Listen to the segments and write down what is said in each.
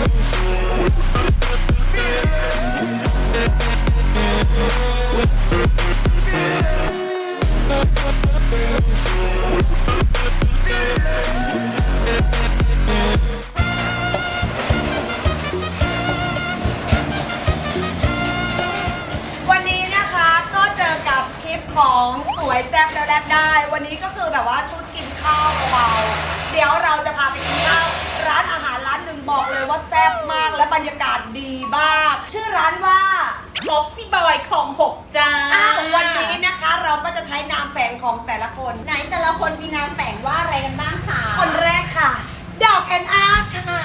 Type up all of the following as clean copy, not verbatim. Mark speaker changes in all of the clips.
Speaker 1: ของสวยแซ่บแล้วแลบได้วันนี้ก็คือแบบว่าชุดกินข้าวเบาๆเดี๋ยวเราจะพาไปกินข้าวร้านอาหารร้านหนึ่งบอกเลยว่าแซ่บมากและบรรยากาศดีมากชื่อร้านว่า
Speaker 2: Coffee Boy ของ6จ้า
Speaker 1: วันนี้นะคะเราก็จะใช้นามแฝงของแต่ละคน
Speaker 2: ไหนแต่ละคนมีนามแฝงว่าอะไรกันบ้างคะ
Speaker 1: คนแรกค่ะดอกแอนอาค่ะ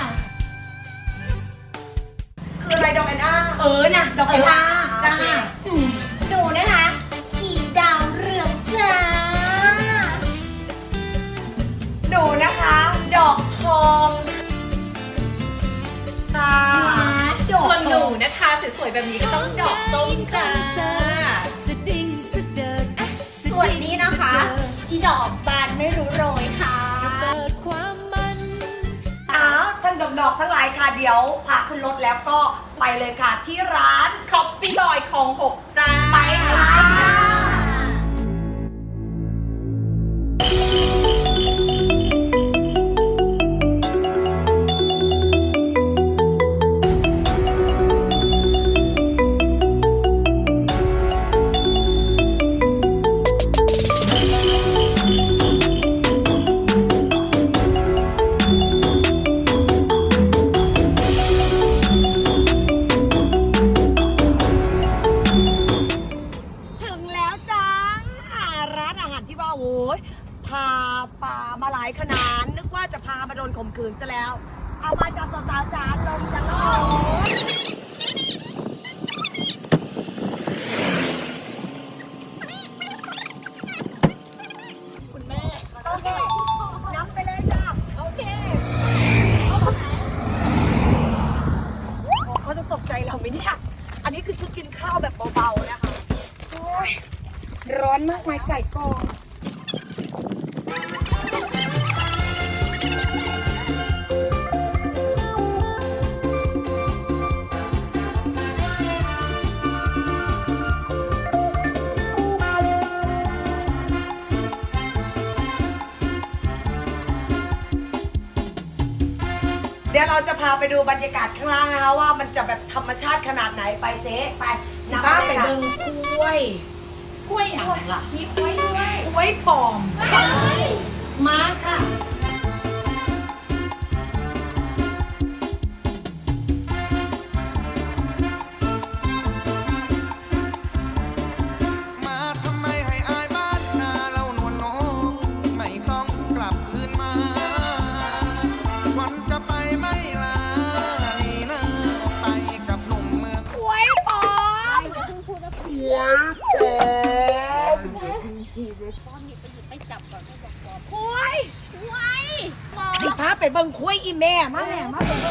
Speaker 1: คืออะไรดอกแอนอา
Speaker 2: นะดอกแอนอาจ้า
Speaker 1: หนูนะคะดาวเรืองจ้าหนูนะคะดอกทองค่ะ
Speaker 2: ส่วนหนูนะคะสวยๆแบบนี้ก็ต้องดอกส้มจ้าส่วนนี้นะคะอีดอกบานไม่รู้โรยค่ะ
Speaker 1: ท่านดอกทั้งหลายค่ะเดี๋ยวพาขึ้นรถแล้วก็ไปเลยค่ะที่ร้าน
Speaker 2: Coffee Boy ของ6จ้า
Speaker 1: ไปค่ะพาป่ามาหลายขนาดนึกว่าจะพามาโดนข่มขืนซะแล้วเอามาจากสาวๆจ๋าลงจะล่อง
Speaker 2: คุณแม่
Speaker 1: โอเคนำไปเลยจ้า
Speaker 2: โอเค
Speaker 1: เขาจะตกใจเราไหมเนี่ยอันนี้คือชุดกินข้าวแบบเบาๆนะคะโอ้ยร้อนมากไหมไก่กองเดี๋ยวเราจะพาไปดูบรรยากาศข้างล่างนะคะว่ามันจะแบบธรรมชาติขนาดไหนไปเจ๊ไปนำไปเดินกล้วย
Speaker 2: อะไรล่ะมีกล้วยด้วย
Speaker 1: กล้วยปลอม
Speaker 2: มาค่ะ
Speaker 1: สิพาไปเบิ่งคุ้ยอีแม่มาแม่มาเบิ่ง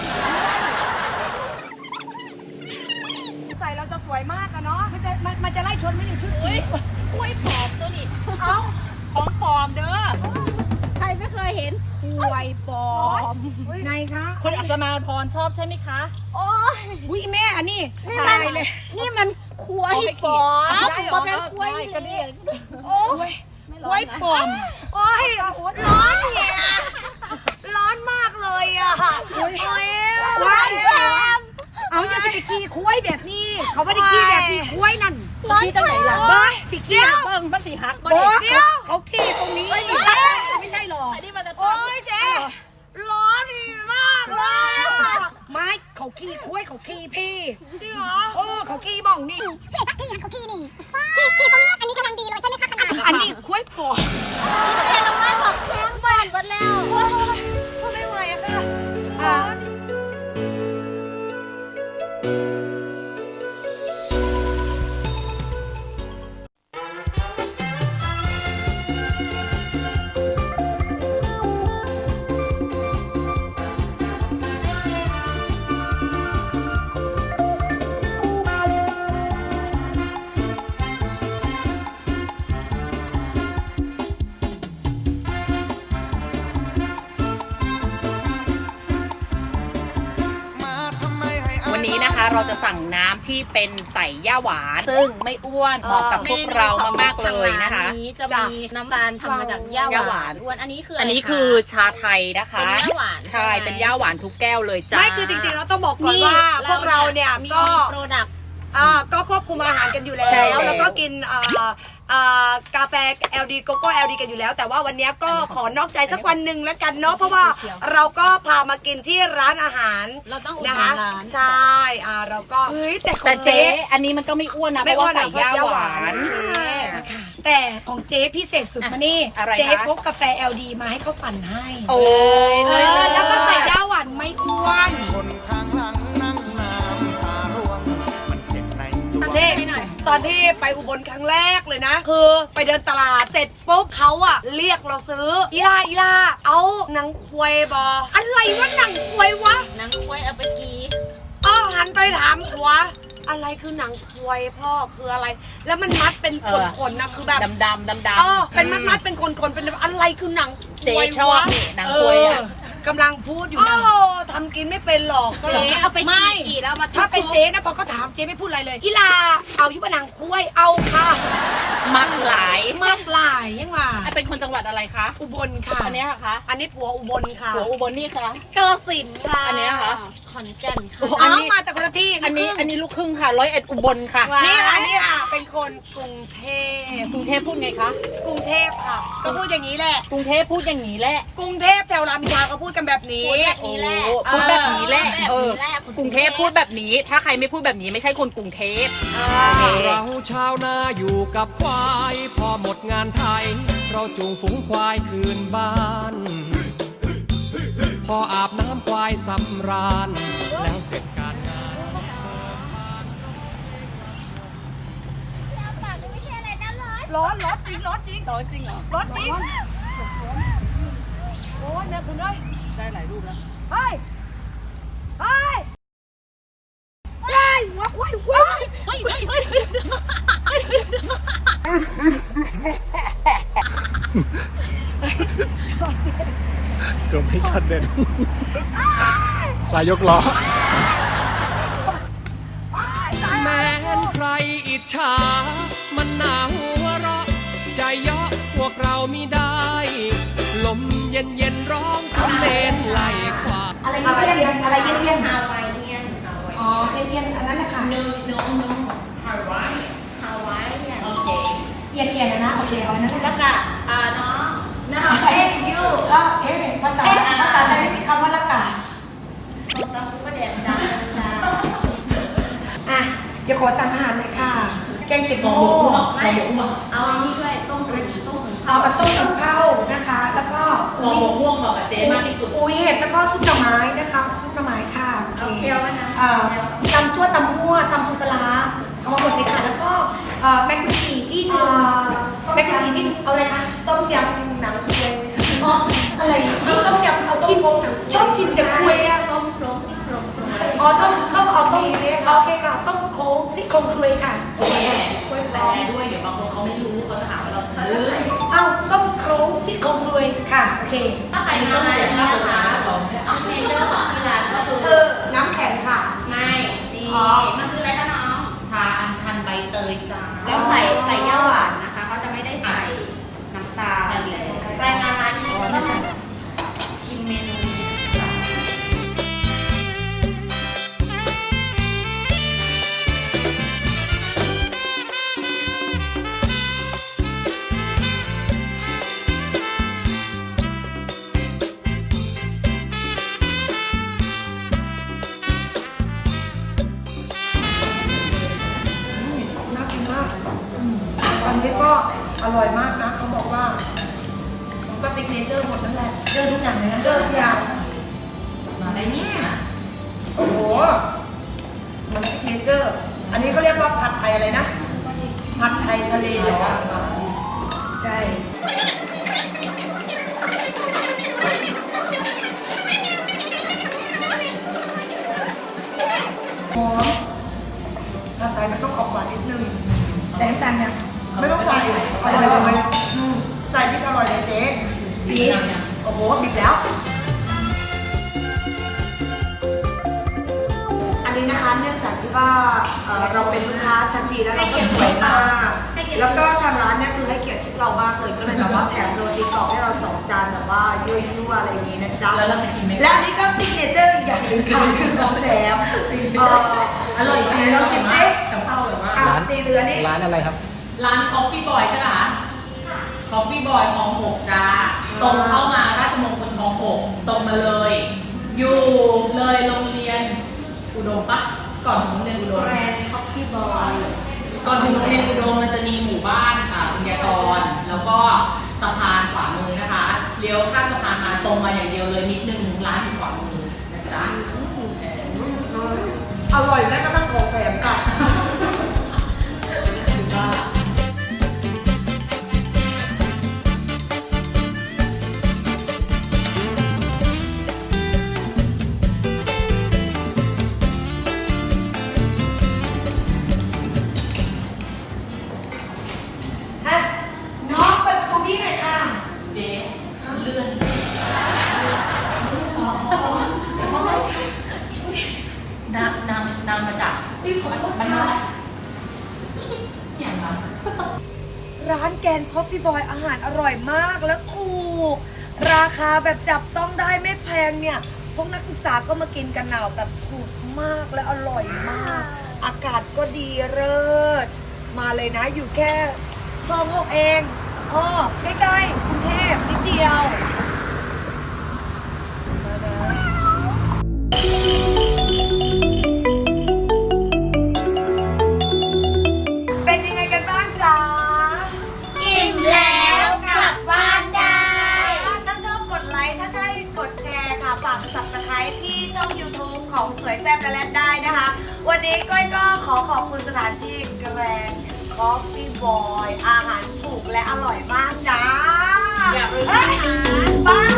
Speaker 1: ใส่เราจะสวยมากอะเนาะมันจะไล่ชนไม่ถึงชุด
Speaker 2: กล้วยปลอมตัวนี้ของปลอมเด้อใครไม่เคยเห็น
Speaker 1: กล้วยปลอมไงคะ
Speaker 2: คนอัศมาพรชอบใช่ไหมคะ
Speaker 1: โอ้ยอุ้ยแม่อันนี้
Speaker 2: นี่มันกล้วยปลอม
Speaker 1: มาเป็นกล้วย
Speaker 2: กันนี่
Speaker 1: โอ้ยกล้วยปลอมโอ้ยร้อนเนี่ยร้อนมากเลยอะโอ้ยร้อนเอาอย่าสิขี่คุ้ยแบบนี้เขาไม่ได้ขี่แบบนี้คุ้ยนั่น
Speaker 2: ขี่จังไหนล่ะ
Speaker 1: สิขี่เบิ่ง
Speaker 2: มันสีหัก
Speaker 1: เขาขี่ตรงนี้ไม่ใช่หรอโอ้ยเจ๊ร้อนมากเลยไม่เขาขี่คุ้ยเขาขี่พี่จริงเหรอเขาขี่บ้องนี่
Speaker 3: เขาขี่นี่ขี่ตรงนี้อันนี้กำลังดีเลยใช่ไหมคะขนาด
Speaker 1: อันนี้คุ้ยปอ
Speaker 3: เจ๊น้องว่าของแข็งบ้านหมดแล้ว
Speaker 1: ไม่ไหวอะค่ะ
Speaker 2: นี้นะคะเราจะสั่งน้ำที่เป็นใส่ย่าหวานซึ่งไม่อ้วนเหมาะกับพวกเรามากๆเลยนะคะ
Speaker 4: เมนูของทางร้านนี้จะมีน้ำตาลทำมาจากย่าหวานอ้วนอันนี้คือ
Speaker 2: อั
Speaker 4: อั
Speaker 2: นนี้คือชาไทยนะคะ
Speaker 4: เป็นย่าหวาน
Speaker 2: ใช่เป็นย่าหวานทุกแก้วเลยจ้า
Speaker 1: ไม่คือจริงๆเราต้องบอกก่อนว่าพวกเราเนี่ย
Speaker 4: มี
Speaker 1: ก็
Speaker 4: โปรดักต์
Speaker 1: ก็ควบคุมอาหารกันอยู่แล้
Speaker 2: ใช่
Speaker 1: ว
Speaker 2: แล้ว
Speaker 1: แล้วก็กินกาแฟ LD โกโก้ LD กันอยู่แล้ว แต่ว่าวันนี้ก็ขอนอกใจสักวันหนึ่งแล้วกันเนาะเพราะว่าเราก็พามากินที่ร้านอาหาร
Speaker 4: เราต้องอุด
Speaker 1: นะ
Speaker 4: หนุ
Speaker 1: คะ
Speaker 4: นร้าน
Speaker 1: ใช่เราก็เฮ้ยแต่ของ
Speaker 2: แต่เจ๊
Speaker 1: เจ๊
Speaker 2: อันนี้มันก็ไม่อ้วนนะเพ
Speaker 1: ไม่
Speaker 2: ราะ
Speaker 1: อ้ว
Speaker 2: ว่าน ใส่ย่าหวาน
Speaker 1: แต่ของเจ๊พิเศษสุดมานี่
Speaker 2: อะไรคะ
Speaker 1: เจ๊พกกาแฟ LD มาให้เขาปั่นให้
Speaker 2: โอ้ย
Speaker 1: แล้วก็ใส่ย่าหวานไม่อ้วน
Speaker 5: คนข้างหลังนั่งน้ำตาร่วง มันเจ็บในสวง
Speaker 1: ตอนที่ไปอุบลครั้งแรกเลยนะ คือไปเดินตลาดเสร็จปุ๊บเขาอะเรียกเราซื้ออีล่าเอาหนังควายบออะไรวะหนังควายวะ
Speaker 4: นางกล้วยเอาไปกี
Speaker 1: หันไปถามผัวอะไรคือหนังควายพ่อคืออะไร แล้วมันมัดเป็นขนๆนะคือแบบ
Speaker 2: ดำ
Speaker 1: เป็นมัดเป็นขนๆเป็นอะไรคือหนังค
Speaker 2: เจ๊
Speaker 1: วาย
Speaker 2: ชอบ
Speaker 1: วะ
Speaker 2: นี่หนังควายอ่ะ
Speaker 1: กำลังพูดอยู่นะทำกินไม่เป็นหรอกก็เลย
Speaker 4: เจ๊เอาไป
Speaker 1: ไม่
Speaker 4: กีแล้วมา
Speaker 1: ถ้าเป็นเจ๊นะพอเขาถามเจ๊ไม่พูดอะไรเลยอีลาเอายุบหนังควายเอาค่ะ
Speaker 2: มักหลาย
Speaker 1: มากหลายยังว่า
Speaker 2: เป็นคนจังหวัดอะไรคะ
Speaker 1: อุบลค่ะ
Speaker 2: อันเนี้ยเหรอคะ
Speaker 1: อันนี้ผัวอุบลค่ะ
Speaker 2: หัวอุบลนี่คะ
Speaker 1: กาฬสินธุ์ค่ะ
Speaker 2: อันเนี้ยเหรอ
Speaker 4: ขอนแก่นค่ะ
Speaker 2: อันนี้
Speaker 1: มาจากคนละที่
Speaker 2: อันนี้ลูกครึ่งค่ะ101อุบลค่ะ
Speaker 1: นี่ค่ะเป็นคนกรุงเทพ
Speaker 2: กรุงเทพพูดไงคะ
Speaker 1: กรุงเทพค่ะ ก็พูดอย่างนี้แหละ
Speaker 2: กรุงเทพพูดอย่างนี้แหละ
Speaker 1: กรุงเทพแถวรามอินทราก็พูดกันแบบนี้
Speaker 2: โอ้พูดแบบนี้แหละ
Speaker 4: แบบนี้แหละ
Speaker 2: กรุงเทพพูดแบบนี้ ถ้าใครไม่พูดแบบนี้ไม่ใช่คนกรุงเทพ
Speaker 6: เราชาวนาอยู่กับควาย พอหมดงานไทย เราจูงฝูงควายคืนบ้าน พออาบน้ำควายสำราญ แล้วเสร็จการงาน
Speaker 1: ร้อนจริง
Speaker 2: ร้อนจริงเหรอ
Speaker 1: ร้อนจริงโอ้ยเนี่ยคุณเอ้ย
Speaker 2: ได้หลายรูปแล้ว
Speaker 1: เฮ้ยว้าว
Speaker 5: เกือบไม่ทันเด่นควายยกล้อ
Speaker 6: แม้นใครอิจฉา มันหนาหัวเราะ ใจเยาะพวกเรามิได้ ลมเย็นเย็นๆร้องคำเลนไหลควาย
Speaker 1: อะไรเย็นอะไรเย็น
Speaker 4: ฮาวายเอียน
Speaker 1: อ๋อเย็นอันนั้นแหละค่ะ
Speaker 4: noฮาวายเนี่ย
Speaker 2: โอเค
Speaker 1: เย็นนะโอเคเอาอันนั้นแห
Speaker 4: แล้
Speaker 1: ละ
Speaker 4: วก็น้อง
Speaker 1: นะคะเอ๊ะยูแล้วภาษาไทยไม่มีคำว่าละกา
Speaker 4: ส้มตำปูกระเดียมจ้าจ้า
Speaker 1: อ่ะเดี๋ยวขอสั่งอาหารเลยค่ะ แกงเขียดหมู
Speaker 4: ไม่เอาอันนี้ด้วยต้มกระดิ่งต้ม
Speaker 1: เอาปลาต้มกับข้าวนะคะ แล้วก็
Speaker 2: หัวม่วงเหมาะกับเจ๊มากที่สุด
Speaker 1: อุ้ยเห็ดแล้วก็ซุปหน่อไม้นะคะซุปหน่อไม้ค่ะ
Speaker 4: เอาเกี๊ยวนะ
Speaker 1: ตำซั่วตำมั่วตำปูปลาร้าเอามาหมดเลยค่ะแล้วก็แมงกุจีที่หนึ่งแมงกุจีที่เอาอะไรคะต้มยำหนังควายอ๋ออะไรต้มยำเอาต้มโครงหนังชอบกินแต่ควายอะ
Speaker 4: ต้มโครงซี่โครง
Speaker 1: อ๋อต้องเอาต้มโอเคค่ะต้มโค้งซี่โครงคุยค่ะโอเค
Speaker 2: แปลด้วยเดี๋ยวบางคนเขาไม่รู้เขาจะหาว่าเราซื้อ
Speaker 1: เอาต้มโค้งซี่โครงคุยค่ะโอเค
Speaker 4: ถ้าใครมาอะไรนะคะเอาเมนูของที่ร้านก็คือ
Speaker 1: คือน้ำแข็งค่ะ
Speaker 4: ไม่ดีมันคืออะไรคะน้อง
Speaker 2: ชาอัญชันใบเตยจ้า
Speaker 4: แล้วใส่ย่าหวานนะคะเขาจะไม่ได้ใส่น้ำตาล
Speaker 2: ใช่แล้ว
Speaker 4: รายงานร้านนี้ต้องชิมเมนูนี้ค่ะ
Speaker 1: น่ากินมากอันนี้ก็อร่อยมากนะเขาบอกว่าผมก็ติ๊กเนเจอร์หมดนั่นแหละเจอทุกอย่างเลยนะเจอทุกอย่าง
Speaker 2: มาได้นี่นะ
Speaker 1: โอ้โหมันติ๊กเนเจอร์ อันนี้เขาเรียกว่าผัดไทยอะไรนะ ผัดไทยทะเลเหรอใช่หอมผัดไทยมันต้องออกหวานนิดนึงแต่น้ำตาลเนี่ยไม่ต้องใส่อร่อยเลยใส่พริกอร่อยเลยเจ๊ดีโอ้โหบิบแล้ว อันนี้นะคะานเนื่องจากที่ว่าเราเป็นลูกค้าชั้นดีแล้วเราก็สวยมากแล้วก็ทางร้านเนี่ยคือให้เกียรติชุดเรามากเลยก็เลยแบบว่าแถมโรตีกรอบให้เรา2 จานแบบว่ายั่วๆอะไรอย่างนี้นะจ๊ะ
Speaker 2: แล้วเราจะกินไหม
Speaker 1: และนี่ก็ซิกเนเจอร์อีกอย่างหนึ่งค่ะคือของแถม
Speaker 2: อร่อยจริง
Speaker 1: เราชิมดิ
Speaker 2: กับข้าวอร่อยมาก
Speaker 1: ตีเรือนี่
Speaker 7: ร้านอะไรครับ
Speaker 2: ร้าน Coffee Boy ใช่ไหมคะ Coffee Boy คลอง 6จ้าตรงเข้ามาราชมงคลคลอง 6ตรงมาเลย อยู่เลยโรงเรียนอุดมปะก่อนถึงโรงเรียนอุดม
Speaker 1: แบรนด์คอฟฟี่บอย
Speaker 2: ก่อนถึงโรงเรียนอุดมมันจะมีหมู่บ้านค่ะบุญญากรแล้วก็สะพานขวามือนะคะเลี้ยวข้ามสะพานมาตรงมาอย่างเดียวเลยนิดนึงร้านอยู่ขวามือนะจ๊ะ
Speaker 1: อร่อยแม้กระทั่งของแถมค่ะ ฮะน้องเปิดประตูพี่หน่อยค่ะ
Speaker 2: เจ๊เลื่อนนางมาจากบ้านนอกอย่างไร
Speaker 1: ร้านแกนคอฟฟี่บอยอาหารอร่อยมากและถูก ราคาแบบจับต้องได้ไม่แพงเนี่ย พวกนักศึกษาก็มากินกันหนาวแบบถูกมากและอร่อยมาก อากาศก็ดีเลิศมาเลยนะอยู่แค่คลอง 6เองใกล้ๆกรุงเทพนิดเดียวมานะเป็นยังไงกันบ้างจ๊ะ
Speaker 3: อิ่มแล้วกลับบ้านได้
Speaker 1: ถ้าชอบกดไลค์ ถ้าใช่กดแชร์ค่ะ ฝาก Subscribe ที่ช่อง YouTube ของสวยแซ่บและแลดได้นะคะ วันนี้ก้อยก็ขอขอบคุณสถานที่แกรนด์คอฟฟี่บอยอาหารถูกและอร่อยมากจ้า
Speaker 2: อย่าลืมนะคะ
Speaker 1: บาย